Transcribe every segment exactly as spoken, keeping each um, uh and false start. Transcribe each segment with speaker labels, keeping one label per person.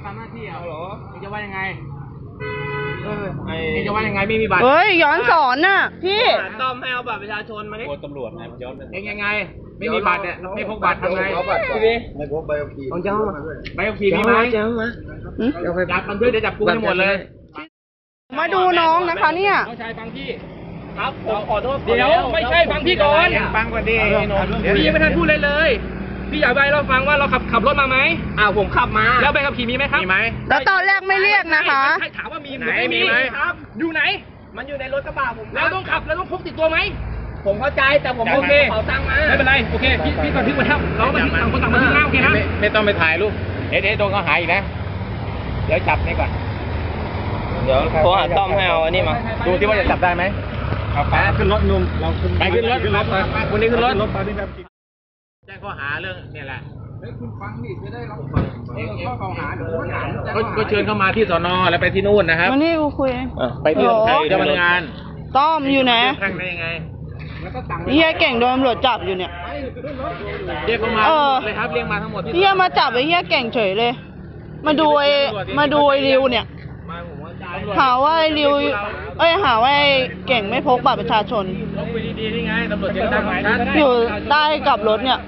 Speaker 1: ทำหน้าที่อ่ะเหรอเองจะว่ายังไงเออเองจะว่ายังไงไม่มีบัตร
Speaker 2: เฮ้ยย้อนสอนน่ะพี่
Speaker 1: ต้อมให้เอาบัตรประชาชนมาดิกลัวตำรวจไงย้อนเองยังไงไม่มีบัตรเนี่ยไม่พกบัตรทำไง
Speaker 3: ไม่พกใบขับขี่
Speaker 1: เอาเจ้ามาใบขับขี่มีไหมเจ้ามาจับมันด้วยเดี๋ยวจับกูให้หมดเลย
Speaker 2: มาดูน้องนะคะเนี่ย
Speaker 1: น้องชายฟังพี่ครับผมขอโทษเดี๋ยวไม่ใช่ฟังพี่ก่อนฟังก่อนดิพี่ยังไม่ทันพูดเลยเลยพี่อยากใบเราฟังว่าเราขับขับรถมาไหมอ้าวผมขับมาแล้วใบขับขี่มีไหมครับมีไหม
Speaker 2: แล้วตอนแรกไม่เรียกนะคะ
Speaker 1: ให้ถามว่ามีไหมมีไหมครับอยู่ไหนมันอยู่ในรถกระบะผมแล้วต้องขับแล้วต้องพกติดตัวไหมผมเข้าใจแต่ผมโอเคเขาตั้งมาไม่เป็นไรโอเคพี่พี่ก่อนทิ้งไว้แล้วเราไม่ทิ้งต่างคนต่างมาทิ้งหน้าโอเคนะไม่ต้องไปถ่ายรูปเอ๊ะเอ๊ะโดนเขาหายอีกนะเดี๋ยวจับนี่ก่อนเดี๋ยวโทรหาต้อมให้เอาอันนี้มาดูที่ว่าจะจับได้ไหมเอาไปขึ้นรถนุ่มเราไปขึ้นรถขึ้นรถไปคนนี้ขึ้นรถแจ้งข้อหาเรื่องเนี่ยแหละเฮ้ยคุณฟังดิจะได้รับเองข้อกล่าวหาก็เชิญเข้ามาที่สนแล้วไปที่นู่นนะครับ
Speaker 2: วันนี้กูคุย
Speaker 1: ไปที่เจ้าพนักงาน
Speaker 2: ต้อมอยู่ไหน
Speaker 1: ทางได้ยังไง
Speaker 2: เฮียเก่งโดนตำรวจจับอยู่เนี่ย
Speaker 1: เรียกเขามาเลยครับเรียกมาทั้งหมด
Speaker 2: เฮียมาจับไอ้เฮียเก่งเฉยเลยมาดูไอ้มาดูไอ้ริวเนี่ยหาว่าไอ้ริวเอ้ยหาว่าไอ้เก่งไม่พกบัตรประชาชนอยู่ใต้กับรถเนี่ย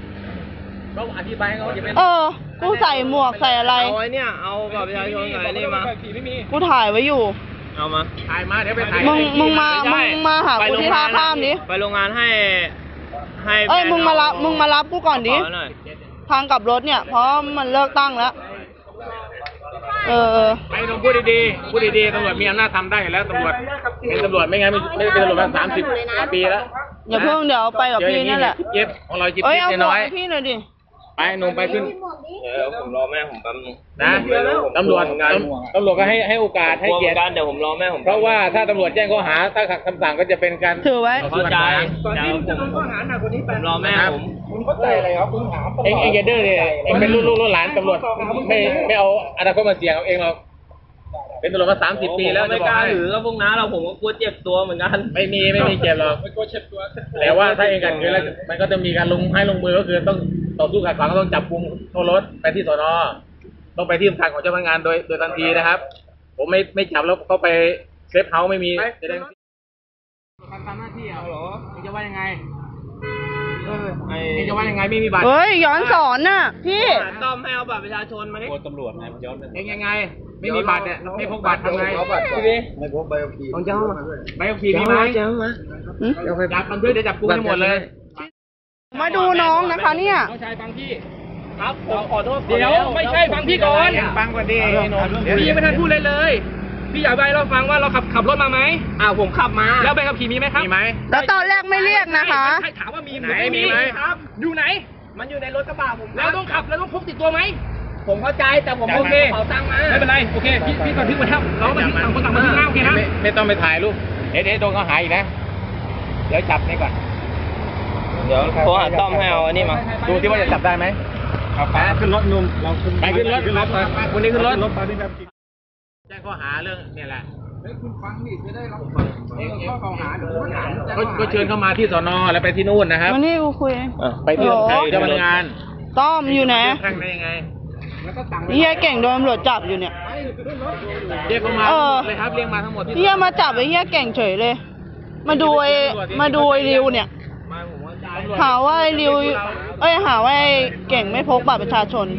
Speaker 2: เออกูใส่หมวกใส่อะไร
Speaker 1: เอาไว้เนี่ยเอาบัตรประชาชนใส่นี่มา
Speaker 2: กูถ่ายไว้อยู่
Speaker 1: เอามาถ่ายมาเดี๋ยวไปถ่าย
Speaker 2: มึงมึงมามึงมาหากูที่ท่าข้ามดิ
Speaker 1: ไปโรงงานให้ให้
Speaker 2: เอ้ยมึงมารับมึงมารับกูก่อนดิทางกลับรถเนี่ยเพราะมันเลิกตั้งแล้วเออ
Speaker 1: ไปลงพูดดีๆพูดดีๆตำรวจมีอำนาจทำได้แล้วตำรวจเป็นตำรวจไม่งั้นไม่เป็นตำรวจมาสามสิบปีแล้ว
Speaker 2: อย่าเพิ่งเดี๋ยวไปกับพี่นั่นแหละ
Speaker 1: เย็บของเราจิ๊บ
Speaker 2: จิ๊
Speaker 1: บน้อย
Speaker 2: พี่หน่อยดิ
Speaker 1: ไปหนุ่มไปขึ้นเดี๋ยวผมรอแม่ผมแป๊บนึงนะตำรวจตำรวจก็ให้ให้โอกาสให้เกียรติเดี๋ยวผมรอแม่ผมเพราะว่าถ้าตำรวจแจ้งข้อหาถ้าขัดคำสั่งก็จะเป็นการ
Speaker 2: ถือไว้
Speaker 1: เข้าใจก่อนที่จะโดนข้อหาหนักกว่านี้ผมรอแม่ผมคุณเข้าใจอะไรครับคุณถามเองเองอย่าดื้อเลยเองเป็นลูกลูกหลานตำรวจไม่ไม่เอาอนาคตมาเสี่ยงเอาเองเราเป็นตำรวจมาสามสิบปีแล้วไม่กล้าถือก็พวกน้าเราผมก็กลัวเจ็บตัวเหมือนกันไม่มีไม่มีเจ็บหรอกไม่กลัวเจ็บตัวแต่ว่าถ้าเองกันคือแล้วมันก็จะมีการลงให้ลงมือก็คือต้องต่อสู้ขัดขวางก็ต้องจับกุมโทรรถไปที่สน.ต้องไปที่สำนักของเจ้าพนักงานโดยโดยทันทีนะครับผมไม่ไม่จับแล้วเขาไปเซฟเฮาส์ไม่มีจะได้ทำหน้าที่อ่ะเหรอเองจะว่ายังไงเออเองจะว่ายังไงไม่มีบัตร
Speaker 2: เฮ้ยย้อนสอนน่ะพี่
Speaker 1: ต้อมให้เอาบัตรประชาชนมาดิกลัวตำรวจไงย้อนเองยังไงไม่มีบัตรเนี่ยไม่พกบัตรทำไง
Speaker 3: ไม่พกใบขับขี่
Speaker 1: เอาเจ้ามาใบขับขี่มีไหมเจ้ามาจับมันด้วยเดี๋ยวจับกูให้หมดเลย
Speaker 2: มาดูน้องนะคะเนี่ย
Speaker 1: น้องชายฟังพี่ครับผมขอโทษเดี๋ยวไม่ใช่ฟังพี่ก่อนฟังก่อนดิพี่ยังไม่ทันพูดเลยเลยพี่อยากใบเราฟังว่าเราขับขับรถมาไหมอ้าวผมขับมาแล้วใบขับขี่มีไหมครับมีไหม
Speaker 2: แล้วตอนแรกไม่เรียกนะคะ
Speaker 1: ให้ถามว่ามีไหมมีไหมครับอยู่ไหนมันอยู่ในรถกระบะผมแล้วต้องขับแล้วต้องพกติดตัวไหมผมเข้าใจแต่ผมโอเคเขาตั้งมาไม่เป็นไรโอเคพี่พี่ก่อนทิ้งไว้แล้วเราไม่ทิ้งต่างคนต่างมาทิ้งหน้าโอเคนะไม่ต้องไปถ่ายรูปเอ๊ะเอ๊ะโดนเขาหายอีกนะเดี๋ยวจับนี่ก่อนเดี๋ยวโทรหาต้อมให้เอาอันนี้มาดูที่ว่าจะจับได้ไหมเอาไปขึ้นรถนุ่มเราไปขึ้นรถขึ้นรถคนนี้ขึ้นรถแจ้งข้อหาเรื่องเนี่ยแหละเฮ้ยคุณฟังดิจะได้รับเองข้อกล่าวหาก็เชิญเข้ามาที่สน.แล้วไปที่นู่นนะครับ
Speaker 2: วันนี้กูคุย
Speaker 1: ไปที่เจ้าพนักงาน
Speaker 2: ต้อมอยู่ไหน
Speaker 1: ทางได้ยังไง
Speaker 2: เฮียเก่งโดนตำรวจจับอยู่เนี่ย
Speaker 1: เรียกเขามาเลยครับเรียกมาทั้งหมด
Speaker 2: เฮียมาจับไอ้เฮียเก่งเฉยเลยมาดูไอ้มาดูไอ้ริวเนี่ยหาว่าไอ้ริวเอ้ยหาว่าไอ้เก่งไม่พกบัตรประชาชน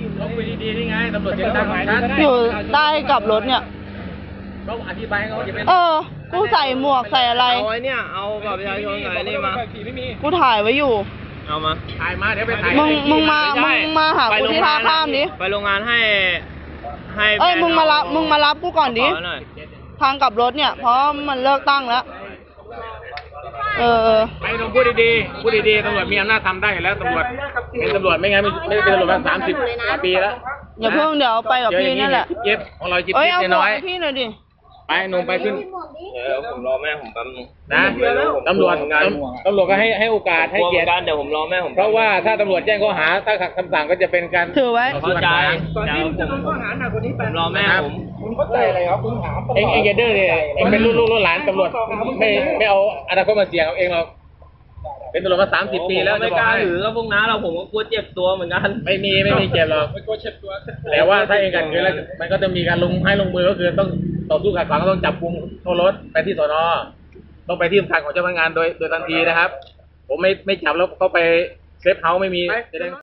Speaker 2: อยู่ใต้กับรถเนี่ยเออกูใส่หมวกใส่อะไร
Speaker 1: เอาไว้เนี่ยเอาบัตรประชาชนใส่นี่มา
Speaker 2: กูถ่ายไว้อยู่
Speaker 1: เอามาถ่ายมาเดี๋ยวไปถ่าย
Speaker 2: มึงมึงมามึงมาหากูที่ท่าข้ามดิ
Speaker 1: ไปโรงงานให้ให้
Speaker 2: เอ้ยมึงมารับมึงมารับกูก่อนดิทางกลับรถเนี่ยเพราะมันเลิกตั้งแล้วเออ
Speaker 1: ไปลงพูดดีๆพูดดีๆตำรวจมีอำนาจทำได้แล้วตำรวจเป็นตำรวจไม่งั้นไม่เป็นตำรวจมาสามสิบปีแล้ว
Speaker 2: อย่าเพิ่งเดี๋ยวไปกับพี่นั่นแหละ
Speaker 1: เย็บของเราจิ๊บจิ๊บน้อย
Speaker 2: พี่หน่อยดิ
Speaker 1: ไปหนุ่มไปขึ้นเดี๋ยวผมรอแม่ผมแป๊บนึงนะตำรวจตำรวจก็ให้ให้โอกาสให้เกียรติเดี๋ยวผมรอแม่ผมเพราะว่าถ้าตำรวจแจ้งข้อหาถ้าขัดคำสั่งก็จะเป็นการ
Speaker 2: ถือไว้
Speaker 1: เข้าใจก่อนที่จะโดนข้อหาหนักกว่านี้ผมรอแม่ผมคุณเข้าใจอะไรครับคุณถามเองเองอย่าดื้อเลยเองเป็นลูกลูกหลานตำรวจไม่ไม่เอาอนาคตมาเสี่ยงเอาเองเราเป็นตำรวจมาสามสิบปีแล้ว
Speaker 4: ไม่กล้าถือก็พวกน้าเราผมก็กลัวเจ็บตัวเหมือนกัน
Speaker 1: ไม่มีไม่มีเจ็บหรอกไม่กลัวเจ็บตัวแต่ว่าถ้าเองกันคือแล้วมันก็จะมีการลงให้ลงมือก็คือต้องต่อสู้ขัดขวางก็ต้องจับกุมโทษรถไปที่สน.ต้องไปที่ทำการของเจ้าพนักงานโดยโดยทันทีนะครับ ผมไม่ไม่จับแล้วเข้าไปเซฟเฮาส์ไม่มีจะได้